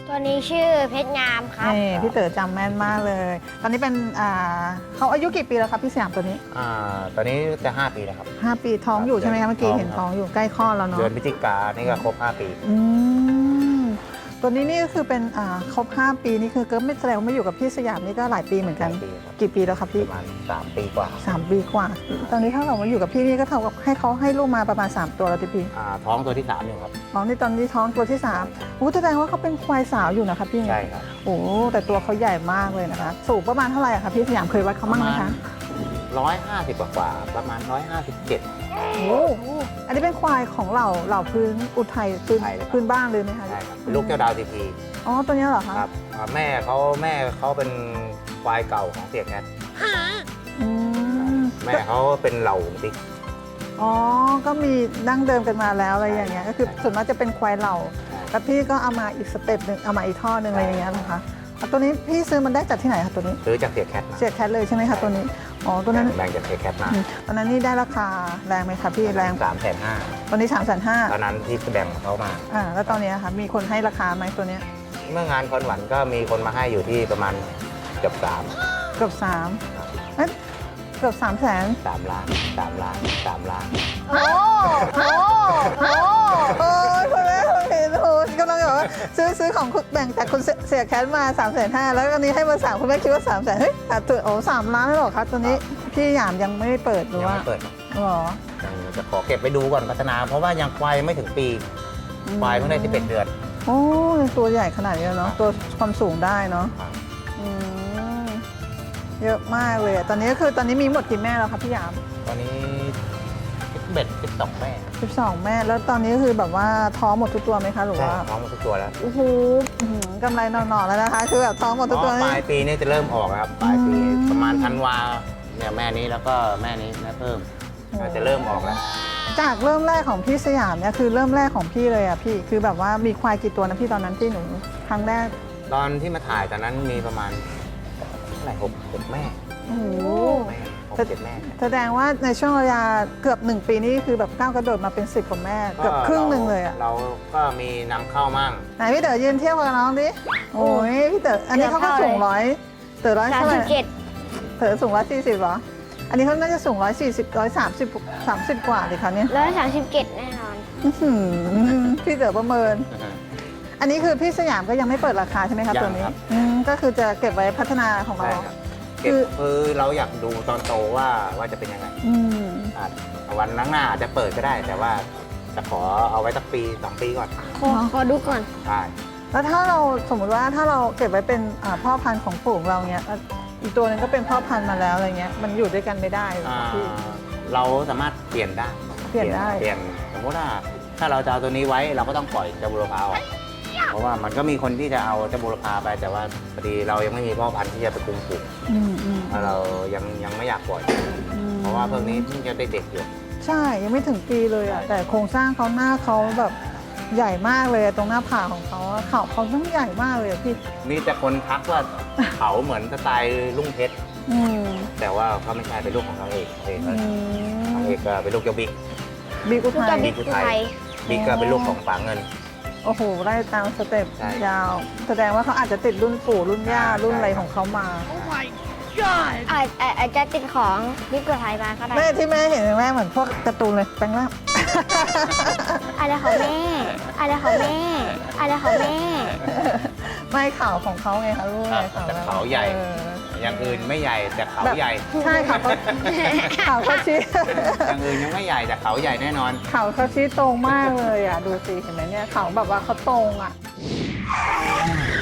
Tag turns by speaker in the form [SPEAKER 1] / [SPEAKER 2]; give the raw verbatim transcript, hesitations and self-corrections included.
[SPEAKER 1] ตัวนี้ชื่อเพชรงามครับ
[SPEAKER 2] นี่พี่เต๋อจำแม่นมากเลย ตอนนี้เป็นอ่าเขาอายุกี่ปีแล้วครับพี่สยามตัวนี้
[SPEAKER 3] อ่าตอนนี้จะห้าปีแล้วครับ
[SPEAKER 2] ห้าปีท้องอยู่ใช่ไหมคะเมื่อกี้
[SPEAKER 3] ท้อง
[SPEAKER 2] เห็น
[SPEAKER 3] ครับ
[SPEAKER 2] ท้องอยู่ใกล้คลอดแล้วเนาะ
[SPEAKER 3] เดือนพฤศจิกานี่ก็ครบห้าปี
[SPEAKER 2] อืมตัวนี้นี่ก็คือเป็นอ่าครบห้าปีนี่คือก็ไม่แสดงว่าไม่อยู่กับพี่สยามนี่ก็หลายปีเหมือนกัน
[SPEAKER 3] หลายปีครับ
[SPEAKER 2] กี่ปีแล้วครับ
[SPEAKER 3] ป
[SPEAKER 2] พี่
[SPEAKER 3] ระมาณสามปีกว่า
[SPEAKER 2] สามปีกว่า ตอนนี้ถ้าเรามาอยู่กับพี่นี่ก็เท่ากับให้เขาให้ลูกมาประมาณสามตัวแล้วที่พี่
[SPEAKER 3] อ่าท้องตัวที่สามอยู่ครับ
[SPEAKER 2] อ๋อนี่ตอนนี้ท้องตัวที่สามโอ้แสดงว่าเขาเป็นควายสาวอยู่นะคะพี่
[SPEAKER 3] ใช่ครับ
[SPEAKER 2] โอ้แต่ตัวเขาใหญ่มากเลยนะคะสูงประมาณเท่าไหร่อะคะพี่สยามเคยวัดเขามั่งไหมคะ
[SPEAKER 3] ร้อยห้าสิบกว่าๆประมาณร้อยห้าสิบเจ็ด
[SPEAKER 2] โอ้อันนี้เป็นควายของเหล่าเหล่าพื้นอุทัยพื้น
[SPEAKER 3] อุทัยเลยครับ
[SPEAKER 2] พื้นบ้านเลยไหมคะ
[SPEAKER 3] ใช่ครับเป็นลูกเจ้าดาวทีพี
[SPEAKER 2] อ๋อตัวเนี้ยเหรอคะ
[SPEAKER 3] ครับอ่าแม่เขาแม่เขาเป็นควายเก่าของเสียแคท
[SPEAKER 2] อืม
[SPEAKER 3] แม่เขาเป็นเหล่าหงติ๊ก
[SPEAKER 2] อ๋อก็มีดั้งเดิมกันมาแล้วอะไรอย่างเงี้ยก็คือส่วนมากจะเป็นควายเหล่าแล้วพี่ก็เอามาอีกสเต็ปหนึ่งเอามาอีกท่อหนึ่งอะไรอย่างเงี้ยนะคะเอาตัวนี้พี่ซื้อมันได้จากที่ไหนคะตัวนี้
[SPEAKER 3] ซื้อจากเสียแคทมา
[SPEAKER 2] เสียแคทเลยใช่ไหมคะตัวนี้อ๋อตัวนั้น
[SPEAKER 3] แบ่งจากเสียแคทมา
[SPEAKER 2] อืมตอนนั้นนี่ได้ราคาแรงไหมคะพี่แรง
[SPEAKER 3] สามแสนห้า
[SPEAKER 2] ตอนนี้สามแสนห้า
[SPEAKER 3] ตอนนั้นที่แบ่งเขามา
[SPEAKER 2] อ่าแล้วตอนนี้ค่ะมีคนให้ราคาไหมตัวเนี้ย
[SPEAKER 3] เมื่องานคอนหวันก็มีคนมาให้อยู่ที่ประมาณเกือบสาม
[SPEAKER 2] เกือบสามเอ้ยเกือบสามแสน
[SPEAKER 3] สามล้านสามล้านสามล้าน
[SPEAKER 2] โอ้โหโอ้โหคุณแม่คุณเห็นโอ้กำลังแบบว่าซื้อซื้อของคุณแบ่งจากคุณเสียแคทมา3ามแสนห้าแล้วอันนี้ให้มาสามคุณแม่คิดว่า3ามแสนเฮ้ยแต่ตัวโอ้สามล้านแล้วเหรอคะตัวนี้พี่หยามยังไม่ได้เปิดหรือ
[SPEAKER 3] ยัง
[SPEAKER 2] ว่า
[SPEAKER 3] ไม่เปิด
[SPEAKER 2] หรอ
[SPEAKER 3] ยังจะขอเก็บไปดูก่อนพัฒนา เพราะว่ายังควายยังไม่ถึงปีควายเพิ่งได้สิบเอ็ดเดือน
[SPEAKER 2] โอ้ตัวใหญ่ขนาดนี้แล้วเนาะตัวความสูงได้เนาะ
[SPEAKER 3] ครับ
[SPEAKER 2] อืมเยอะมากเลยอะตอนนี้ก็คือตอนนี้มีหมดกี่แม่แล้วครับพี่หยาม
[SPEAKER 3] ตอนนี้สิบเอ็ดสิบสองแม่
[SPEAKER 2] สิบสองแม่แล้วตอนนี้ก็คือแบบว่าท้องหมดทุกตัวไหมคะหรือ
[SPEAKER 3] ใช่
[SPEAKER 2] ว่า
[SPEAKER 3] ท้องหมดทุกตัวแล้ว
[SPEAKER 2] โอ้โหอื้อหือกำไรหน่อๆแล้วนะคะ คือแบบท้องหมดทุกตัว
[SPEAKER 3] อ๋อป
[SPEAKER 2] นี่
[SPEAKER 3] ลายปีนี้จะเริ่มออกแล้วครับปลายปี
[SPEAKER 2] อืม
[SPEAKER 3] ประมาณธันวาเนี่ยแม่นี้แล้วก็แม่นี้แม่เพิ่ม
[SPEAKER 2] โอ้
[SPEAKER 3] จะเริ่มออกแล้ว
[SPEAKER 2] จากเริ่มแรกของพี่สยามเนี่ยคือเริ่มแรกของพี่เลยอ่ะพี่คือแบบว่ามีควายกี่ตัวนะพี่ตอนนั้นที่หนูครั้งแรก
[SPEAKER 3] ตอนที่มาถ่ายตอนนั้นมีประมาณเท่าไหร่หกหกแม่
[SPEAKER 2] โอ้โห
[SPEAKER 3] แม่หกเจ็ดแม่
[SPEAKER 2] แสดงว่าในช่วงระยะเกือบหนึ่งปีนี้คือแบบก้าวกระโดดมาเป็นสิบกว่าแม่เกือบครึ่งหนึ่งเลยอ่ะ
[SPEAKER 3] เราก็มีนำเข้ามั่ง
[SPEAKER 2] ไหนพี่เต๋อยืนเทียบกับน้องดิโอ้ยพี่เต๋ออันนี้เขาก็สูงร้อยเต๋อร้อย
[SPEAKER 1] สาม
[SPEAKER 2] เท่าไห
[SPEAKER 1] สิ
[SPEAKER 2] ร่
[SPEAKER 1] บเจ็ด
[SPEAKER 2] เต๋อสูงร้อยสี่สิบเหรออันนี้เขาน่าจะสูงร้อยสี่สิบร้อยสามสิบสามสิบกว่าเลยค่ะเนี่ย
[SPEAKER 1] ร้อยสามสิบเจ็ดแน่นอน
[SPEAKER 2] อื้อหือพี่เต๋อประเมิน อันนี้คือพี่สยามก็ยังไม่เปิดราคาใช่ไหมครับ
[SPEAKER 3] ยัง
[SPEAKER 2] ตัวนี้
[SPEAKER 3] ครับ
[SPEAKER 2] อืมก็คือจะเก็บไว้พัฒนาของ
[SPEAKER 3] ใช่
[SPEAKER 2] เรา
[SPEAKER 3] ครับ
[SPEAKER 2] คื
[SPEAKER 3] เก็บ
[SPEAKER 2] อ
[SPEAKER 3] คือเราอยากดูตอนโตว่าว่าจะเป็นยังไง
[SPEAKER 2] อืม
[SPEAKER 3] อาจวันข้างหน้าอาจจะเปิดก็ได้ แต่ว่าจะขอเอาไว้สักปีสองปีก่อน
[SPEAKER 1] ขอขอดูก่อน
[SPEAKER 3] ใช่
[SPEAKER 2] แล้วถ้าเราสมมติว่าถ้าเราเก็บไว้เป็นอ่าพ่อพันธุ์ของฝูงเราเนี้ยแล้วอีกตัวหนึงก็เป็นพ่อพันธุ์มาแล้วอะไรเงี้ยมันอยู่ด้วยกันไม่ได้เหรอ
[SPEAKER 3] อ่า
[SPEAKER 2] พี่
[SPEAKER 3] เราสามารถเปลี่ยนได้
[SPEAKER 2] เปลี่ยนได้
[SPEAKER 3] เปลี่ยนสมมติว่าถ้าเราจะเอาตัวนี้ไว้เราก็ต้องปล่อยเจ้าบุรพาออกเพราะว่ามันก็มีคนที่จะเอาเจ้าบุรพาไปแต่ว่าพอดีเรายังไม่มีพ่อพันธุ์ที่จะไปคุมฝูง
[SPEAKER 2] อืมอืม
[SPEAKER 3] แล้วเรายังยังไม่อยากปล่อย
[SPEAKER 2] อืม
[SPEAKER 3] เพราะว่าเพิ่งนี้เพิ่งจะได้เด็กอยู่
[SPEAKER 2] ใช่ยังไม่ถึงปีเลยอ่ะแต่โครงสร้างเขาหน้าเขาแบบใหญ่มากเลยอะตรงหน้าผากของเขาอะเขาเขาต้องใหญ่มากเลยอะพี่
[SPEAKER 3] มีแต่คนทักว่าเขาเหมือนสไตล์ลุงเพชร
[SPEAKER 2] อืม
[SPEAKER 3] แต่ว่าเขาไม่ใช่เป็นลูกของเขาเองเอง
[SPEAKER 2] อื
[SPEAKER 3] เขา
[SPEAKER 2] ม
[SPEAKER 3] เอกก็เป็นลูกเจ้าบิ๊ก
[SPEAKER 2] บิ๊กอุ
[SPEAKER 1] ลูก
[SPEAKER 2] ทั
[SPEAKER 1] จะ
[SPEAKER 2] ย
[SPEAKER 1] บิ๊ก
[SPEAKER 3] อุ
[SPEAKER 1] อุ
[SPEAKER 3] ทัย
[SPEAKER 1] ทัย
[SPEAKER 3] บิ๊กก็เป็นลูกของฝาเงิน
[SPEAKER 2] โอ้โหไล่ตามสเต็ป
[SPEAKER 3] ใช่
[SPEAKER 2] ยาว แสดงว่าเขาอาจจะติดรุ่นปู่รุ่นย่า
[SPEAKER 3] ใช่
[SPEAKER 2] รุ่นอะไรของเขามา
[SPEAKER 1] อาจอาจอาจจะติดของบิ๊กอุทัยมาก็ได้
[SPEAKER 2] แม่ที่แม่เห็นแม่เหมือนพวกการ์ตูนเลยแปลงร่าง
[SPEAKER 1] อะไรของแม่อะไรของแม่อะไรของแม่
[SPEAKER 2] ไม่ข่าวของเขาไงคะลูกไงข่าว
[SPEAKER 3] แต่เขาใหญ่
[SPEAKER 2] เออ
[SPEAKER 3] อย่างอื่นไม่ใหญ่แต่เขา
[SPEAKER 2] แบบ
[SPEAKER 3] ใหญ่
[SPEAKER 2] ใช่ข่าวเขาข่าวเขาชี้
[SPEAKER 3] อย่างอื่นยังไม่ใหญ่แต่เขาใหญ่แน่นอน
[SPEAKER 2] ข่าวเขาชี้ตรงมากเลยอ่ะดูสิเห็นไหมเนี่ยข่าวแบบว่าเขาตรงอ่ะ